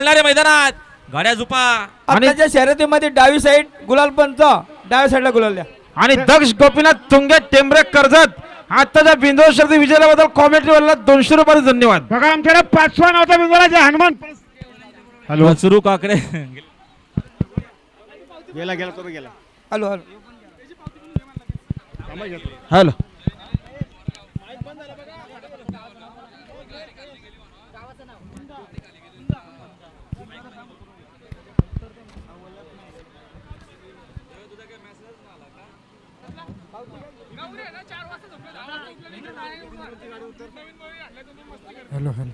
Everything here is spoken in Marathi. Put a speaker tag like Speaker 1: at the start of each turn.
Speaker 1: मैदानात गाड्या झुपा
Speaker 2: आणि त्या शर्यतीमध्ये डावी साईड गुलाल पंच, डाव्या साईडला गुलाल द्या.
Speaker 3: आणि दक्ष गोपीनाथ तुंगे टेंबरे कर्जत आताच्या बिंदू शर्यती विजयाबद्दल कॉमेंट्रीवाला 200 रुपये धन्यवाद.
Speaker 4: बघा आमच्याकडे 5वा नव्हता बिंदूला हनुमान.
Speaker 1: हॅलो सुरू काकडे
Speaker 4: गेला गेला तो गेला.
Speaker 2: Hello hello
Speaker 3: hello
Speaker 2: hello hello